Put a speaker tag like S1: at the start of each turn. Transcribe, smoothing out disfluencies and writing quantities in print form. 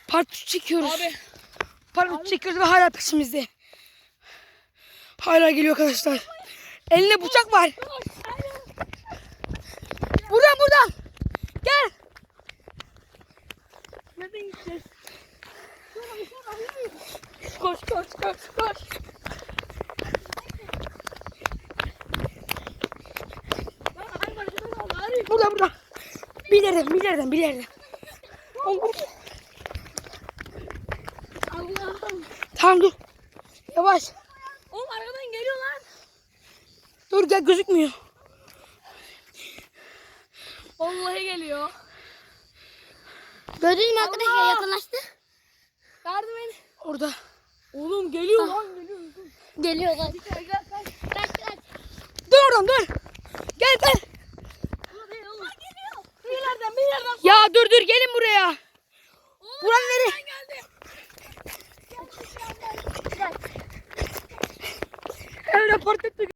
S1: Part 3 çekiyoruz.
S2: Abi.
S1: Part 3 çekiyoruz ve hala peşimizde. Hala geliyor arkadaşlar. Elinde bıçak var. Buradan. Gel.
S2: Nereden gideceğiz? Koş.
S1: Burada. Bir yerden.
S2: Allah'ım.
S1: Tamam dur. Yavaş.
S2: Oğlum arkadan geliyor lan.
S1: Dur gel, gözükmüyor.
S2: Vallahi geliyor.
S3: Gördün mü arkadaşlar,
S2: Allah!
S3: yakınlaştı.
S2: Yardım et.
S1: Orada.
S2: Oğlum geliyor lan geliyor.
S3: Geliyor lan.
S2: Kaç.
S1: Dur oradan dur. Gel.
S2: Bir yerden.
S1: Ya dur gelin buraya. Buran nereye?
S2: Geldi.
S1: Evre part ettik.